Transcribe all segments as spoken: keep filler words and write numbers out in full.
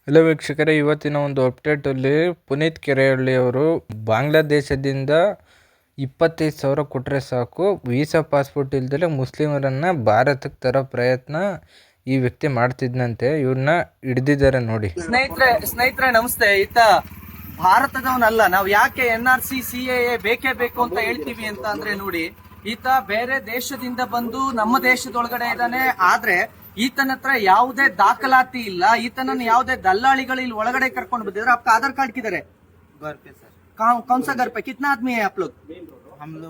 Hello ವೀಕ್ಷಕರೇ, ಇವತ್ತಿನ ಒಂದು ಅಪ್ಡೇಟಲ್ಲಿ ಪುನೀತ್ ಕೆರೆಹಳ್ಳಿ ಅವರು ಬಾಂಗ್ಲಾದೇಶದಿಂದ ಇಪ್ಪತ್ತೈದು ಸಾವಿರ ಕೊಟ್ಟರೆ ಸಾಕು ವೀಸಾ ಪಾಸ್ಪೋರ್ಟ್ ಇಲ್ದಲೆ ಮುಸ್ಲಿಮರನ್ನು ಭಾರತಕ್ಕೆ ತರೋ ಪ್ರಯತ್ನ ಈ ವ್ಯಕ್ತಿ ಮಾಡ್ತಿದ್ನಂತೆ. ಇವ್ರನ್ನ ಹಿಡಿದಿದ್ದಾರೆ ನೋಡಿ. ಸ್ನೇಹಿತರೆ ಸ್ನೇಹಿತರೆ ನಮಸ್ತೆ. ಈತ ಭಾರತದವನಲ್ಲ. ನಾವು ಯಾಕೆ N R C C A ಬೇಕೇ ಬೇಕು ಅಂತ ಹೇಳ್ತೀವಿ ಅಂತ ಅಂದ್ರೆ ನೋಡಿ, ಈತ ಬೇರೆ ದೇಶದಿಂದ ಬಂದು ನಮ್ಮ ದೇಶದೊಳಗಡೆ ಇದ್ದಾನೆ. ಆದ್ರೆ ಈತನ ಹತ್ರ ಯಾವುದೇ ದಾಖಲಾತಿ ಇಲ್ಲ. ಈತನನ್ನು ಯಾವುದೇ ದಲ್ಲಾಳಿಗಳು ಇಲ್ಲಿ ಒಳಗಡೆ ಕರ್ಕೊಂಡು ಬಂದಿದ್ರೆ आपका आधार कार्ड किधर है? घर पे सर। कौन कौन सा घर पे? कितना आदमी है आप लोग? हम लोग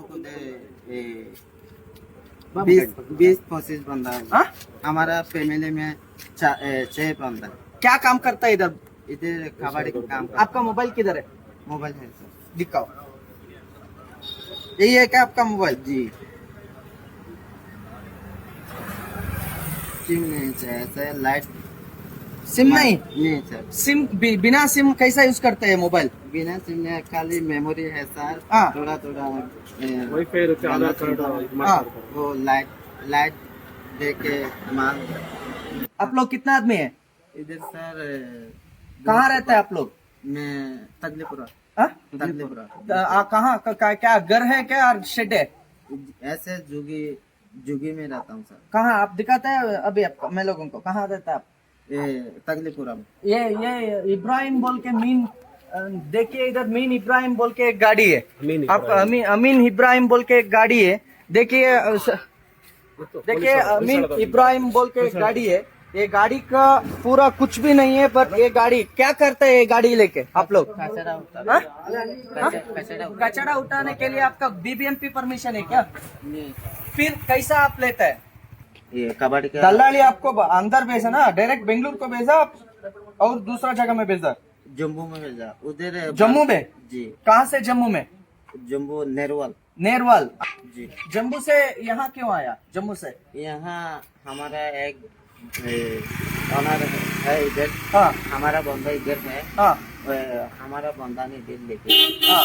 बीस बीस पच्चीस बंदा है। हा? हमारा फैमिली में चा- ए, छह बंदा। क्या काम करता है इधर? इधर कबाड़ी का काम कर। आपका मोबाइल किधर है? मोबाइल है सर। दिखाओ। यही है क्या आपका मोबाइल? जी। सिम नहीं चाहिए सर। लाइट सिम नहीं? नहीं सर। सिम बि, बिना सिम कैसा यूज करते हैं मोबाइल? बिना सिम में खाली मेमोरी है सर। हाँ। थोड़ा थोड़ा वाईफाई रहते आधार कार्ड हाँ। वो लाइट लाइट दे के माल। आप लोग कितना आदमी है? इधर सर कहाँ रहते हैं आप लोग? मैं तगलीपुरा हाँ? तगलीपुरा आ, कहाँ क- क- क्या घर है क्या और शेड है? ऐसे जुगी जुगी में रहता हूँ सर। कहाँ आप दिखाते हैं अभी आपको मैं लोगों को? कहाँ रहता है आप? ये तगलीपुरा में। ये ये इब्राहिम बोल के मीन अ, देखिए इधर मीन इब्राहिम बोल के एक गाड़ी है। अमीन आप अमीन अमीन इब्राहिम बोल के एक गाड़ी है। देखिए अ, स- देखिए अमीन इब्राहिम बोल के एक गाड़ी है। ये गाड़ी का पूरा कुछ भी नहीं है, पर ये गाड़ी क्या करते हैं? ये गाड़ी लेके आप लोग कचरा उठा हाँ? कचरा कचरा उठा- कचरा उठाने के लिए आपका B B M P permission है क्या? नहीं। फिर कैसा आप लेते हैं? ये कबाड़ी का दल्लाली आपको ब- अंदर भेजा ना, डायरेक्ट बेंगलुरु को भेजा और दूसरा जगह में भेजा? जम्मू में भेजा। उधर जम्मू में? जी। कहाँ से जम्मू में? जम्मू नेरवाल। नेरवाल। जी। जम्मू से यहाँ क्यों आया? जम्मू से? यहाँ हमारा एक ऑनर है इधर। हाँ हमारा बंदा इधर है। हाँ वो हमारा बंदा ने दिल लेके हाँ।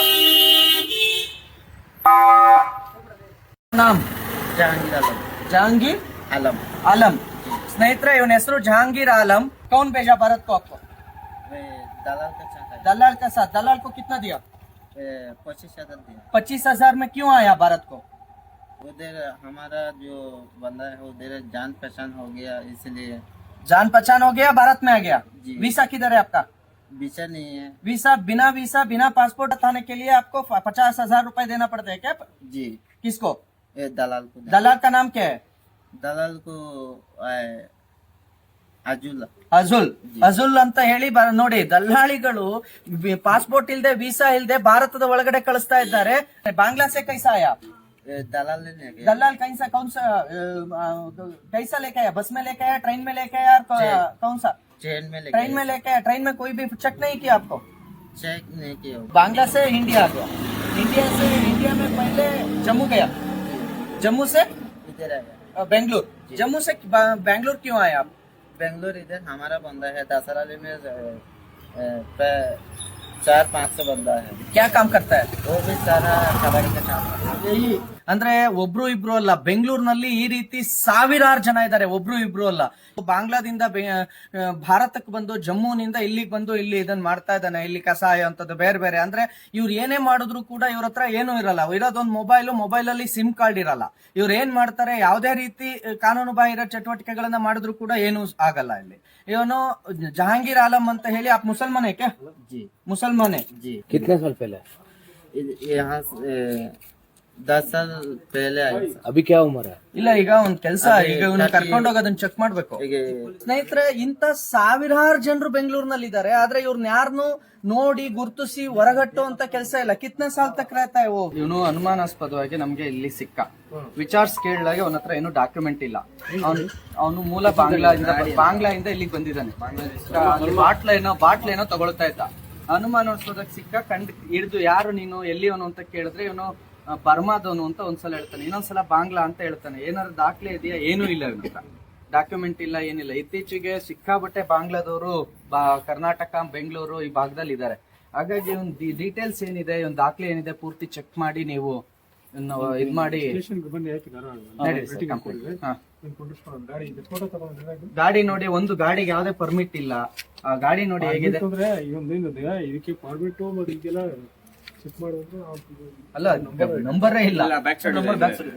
नाम जहांगीर आलम। जहांगीर आलम। आलम। ಸ್ನೇಹಿತರೆ ಇವನ ಹೆಸರು जहांगीर आलम। कौन भेजा भारत को आपको? वे दलाल का चाहता है। दलाल का साथ। दलाल को कितना दिया? वे पच्चीस हजार दिया। पच्चीस हजार में क्यों आया भारत को? उधर हमारा जो बंदा है उधर जान पहचान हो गया, इसलिए जान पहचान हो गया, भारत में आ गया। जी। वीसा किधर है आपका? बीचा नहीं है। वीसा बिना वीसा बिना पासपोर्ट हटाने के लिए आपको पचास हजार रूपए देना पड़ता है क्या? जी। किसको? ये दलाल को। दलाल का नाम क्या है? दलाल को अजुल। ಅಜುಲ್ ಅಜುಲ್ ಅಂತ ಹೇಳಿ ಬ- ನೋಡಿ, ದಲ್ಲಾಳಿಗಳು ಪಾಸ್ಪೋರ್ಟ್ ಇಲ್ದೆ ವೀಸಾ ಇಲ್ದೆ ಭಾರತದ ಒಳಗಡೆ ಕಳಿಸ್ತಾ ಇದ್ದಾರೆ. ಬಾಂಗ್ಲಾ से कैसा आया? ये दलाल ने गया। दलाल कैसा कौन सा अ, कैसा लेके आया? बस में लेके आया, ट्रेन में लेके आया, और कौ- कौन सा? ट्रेन में लेके ट्रेन में लेके आया। ट्रेन में कोई भी चेक नहीं किया आपको? चेक नहीं किया। बांग्ला से इंडिया आ गया। इंडिया से इंडिया में पहले जम्मू गया, जम्मू से इधर आया। अ, बेंगलुरु। जम्मू से बा- बेंगलुरु क्यों आया आप? बेंगलोर इधर हमारा बंदा है। दसराली में अ, अ, पे- चार पाँच सौ बंदा है। क्या काम करता है? वो भी सारा कबाड़ी का काम करता है। ಅಂದ್ರೆ ಒಬ್ರು ಇಬ್ರು ಅಲ್ಲ, ಬೆಂಗಳೂರಿನಲ್ಲಿ ಈ ರೀತಿ ಸಾವಿರಾರು ಜನ ಇದ್ದಾರೆ, ಒಬ್ರು ಇಬ್ರು ಅಲ್ಲ. ಬಾಂಗ್ಲಾದಿಂದ ಬೆ- ಆ, ಭಾರತಕ್ಕೆ ಬಂದು ಜಮ್ಮುನಿಂದ ಇಲ್ಲಿಗೆ ಬಂದು ಇಲ್ಲಿ ಇದನ್ನ ಮಾಡ್ತಾ ಇದ್ದಾನೆ. ಇಲ್ಲಿ ಕಸಾಯ ಅಂತದ್ದು ಬೇರೆ ಬೇರೆ. ಅಂದ್ರೆ ಇವ್ರು ಏನೇ ಮಾಡಿದ್ರು ಕೂಡ ಇವ್ರ ಹತ್ರ ಏನೂ ಇರಲ್ಲ. ಇರೋದೊಂದು ಮೊಬೈಲ್, ಮೊಬೈಲ್ ಅಲ್ಲಿ ಸಿಮ್ ಕಾರ್ಡ್ ಇರಲ್ಲ. ಇವ್ರು ಏನ್ ಮಾಡ್ತಾರೆ, ಯಾವುದೇ ರೀತಿ ಕಾನೂನು ಬಾಹಿರ ಚಟುವಟಿಕೆಗಳನ್ನ ಮಾಡಿದ್ರು ಕೂಡ ಏನೂ ಆಗಲ್ಲ. ಇಲ್ಲಿ ಇವನು ಜಹಾಂಗೀರ್ ಆಲಂ ಅಂತ ಹೇಳಿ. आप मुसलमान है क्या? जी। मुसलमान है। जी। कितने साल पहले? इध- यहाँ से, अ, दस साल पहले आया सर। अभी क्या उम्र है? ಇಲ್ಲ, ಈಗ ಒಂದ್ ಕೆಲಸ, ಈಗ ಇವನ್ನ ಕರ್ಕೊಂಡೋಗಿ ಅದನ್ನ ಚೆಕ್ ಮಾಡ್ಬೇಕು. ಈಗ ಸ್ನೇಹಿತರೆ, ಇಂತ ಸಾವಿರಾರು ಜನರು ಬೆಂಗಳೂರಿನಲ್ಲಿ ಇದ್ದಾರೆ, ಆದ್ರೆ ಇವ್ರನ್ನ ಯಾರನ್ನು ನೋಡಿ ಗುರ್ತಿಸಿ ಹೊರಗಟ್ಟು ಅಂತ ಕೆಲಸ ಇಲ್ಲ. ಕಿತ್ನೆ ಸಾಲ್ ತಕ್ रहता है वो? ಇವನು ಅನುಮಾನಾಸ್ಪದವಾಗಿ ನಮ್ಗೆ ಇಲ್ಲಿ ಸಿಕ್ಕ. ವಿಚಾರ್ಸ್ ಕೇಳಿದಾಗ ಅವನ ಹತ್ರ ಏನು ಡಾಕ್ಯುಮೆಂಟ್ ಇಲ್ಲ. ಅವನು ಅವನು ಮೂಲ ಬಾಂಗ್ಲಾದಿಂದ ಬಾಂಗ್ಲಾದಿಂದ ಇಲ್ಲಿಗೆ ಬಂದಿದ್ದಾನೆ. ಅಲ್ಲಿ ಬಾಟ್ಲೇನೋ ಬಾಟ್ಲೇನೋ ತಗೊಳ್ತಾ ಇದ್ದ. ಅನುಮಾನಾಸ್ಪದಕ್ಕೆ ಸಿಕ್ಕ. ಕಂಡ್ ಹಿಡಿದು ಯಾರು ನೀನು, ಎಲ್ಲಿಯವನು ಅಂತ ಕೇಳಿದ್ರೆ ಇವನು ಬರ್ಮಾದವನು ಅಂತ ಒಂದ್ಸಲ ಹೇಳ್ತಾನೆ, ಇನ್ನೊಂದ್ಸಲ ಬಾಂಗ್ಲಾ ಅಂತ ಹೇಳ್ತಾನೆ. ಏನಾದ್ರು ದಾಖಲೆ ಇದೆಯಾ? ಏನೂ ಇಲ್ಲ ಇವನ ಹತ್ರ. ಡಾಕ್ಯುಮೆಂಟ್ ಇಲ್ಲ, ಏನಿಲ್ಲ. ಇತ್ತೀಚೆಗೆ ಸಿಕ್ಕಾಬಟ್ಟೆ ಬಾಂಗ್ಲಾದವರು ಬಾ ಕರ್ನಾಟಕ, ಬೆಂಗಳೂರು ಈ ಭಾಗದಲ್ಲಿ ಇದ್ದಾರೆ. ಹಾಗಾಗಿ ಒಂದು ಡೀಟೇಲ್ಸ್ ಏನಿದೆ, ಒಂದು ದಾಖಲೆ ಏನಿದೆ ಪೂರ್ತಿ ಚೆಕ್ ಮಾಡಿ ನೀವು ಇದ್ ಮಾಡಿ. ನಡೀರಿ ಸರ್, ಕಂಪ್ಲೇಂಟ್. ಹಾ ಗಾಡಿ ನೋಡಿ, ಒಂದು ಗಾಡಿಗೆ ಯಾವ್ದೇ ಪರ್ಮಿಟ್ ಇಲ್ಲ. ಆ ಗಾಡಿ ನೋಡಿ ಹೇಗಿದೆ. ಇದಕ್ಕೆ ಪರ್ಮಿಟ್ ಮತ್ತೆ ಇದೆಲ್ಲ ಚೆಕ್ ಮಾಡಿದ್ರೆ ಅಲ್ಲ, ನಂಬರೇ ಇಲ್ಲ. Number back side.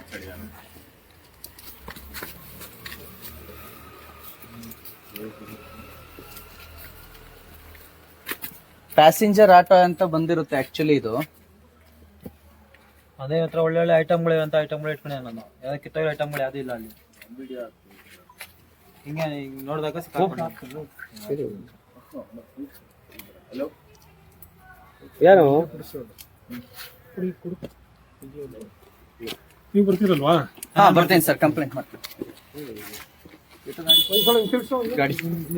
Passenger auto ಅಂತ ಬಂದಿರುತ್ತೆ ಆಕ್ಚುಲಿ ಇದು. ಅದೇ ಹತ್ರ ಒಳ್ಳೆ ಒಳ್ಳೆ ಐಟಮ್ಗಳು ಅಂತ ಐಟಮ್ಗಳು ಇಟ್ಕೊಂಡೆ ನಾನು. ಯಾವ್ದು ಕಿತ್ತೋಗಿರೋ ಐಟಮ್ಗಳು ಯಾವ್ದು ಇಲ್ಲ ಅಲ್ಲಿ. ಹಿಂಗೆ ಹಿಂಗ್ ನೋಡಿದಾಗ ಯಾರು ನೀವು ಬರ್ತೀರಲ್ವಾ? ಹಾ, ಬರ್ತೇನೆ ಸರ್, ಕಂಪ್ಲೇಂಟ್ ಮಾಡ್ತೀನಿ. ಗಾಡಿ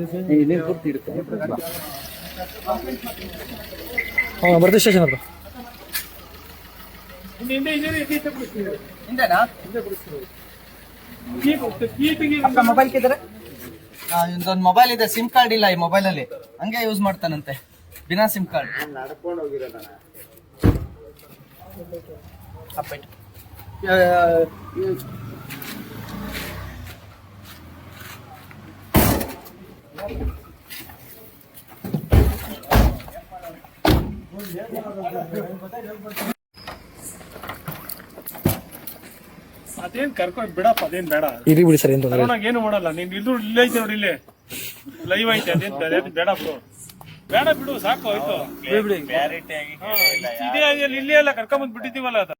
ಹಾಂ ಬರ್ತೀವಿ ಸ್ಟೇಷನ್ ಹತ್ರ. ಹಿಂದೆನಾ? ಅಕ್ಕ ಮೊಬೈಲ್ ಕಿದ್ರೆ ಇದೊಂದು ಮೊಬೈಲ್ ಇದೆ, ಸಿಮ್ ಕಾರ್ಡ್ ಇಲ್ಲ ಈ ಮೊಬೈಲ್ ಅಲ್ಲಿ, ಹಂಗೆ ಯೂಸ್ ಮಾಡ್ತಾನಂತೆ ಬಿನಾ ಸಿಮ್ ಕಾರ್ಡ್. ಅದೇನ್ ಕರ್ಕೊಂಡ್ ಬಿಡಪ್ಪ, ಅದೇನ್ ಬೇಡ. ಇರಿ ಬಿಡಿ ಸರ್, ಏನು ಏನು ಮಾಡಲ್ಲ. ನೀನ್ ಇದು ಇಲ್ಲೇ ಐತೆ ನೋಡಿ, ಇಲ್ಲೇ ಲೈವ್ ಐತೆ. ಅದೇನ್ ಅದೇನ್ ಬೇಡ ಬಿಡು, ಬೇಡ ಬಿಡು, ಸಾಕು ಆಯ್ತು. ಇದೇ ಇಲ್ಲೇ ಎಲ್ಲ ಕರ್ಕೊಂಡ್ ಬಂದ್ ಬಿಟ್ಟಿದೀವಲ್ಲ ಅದು.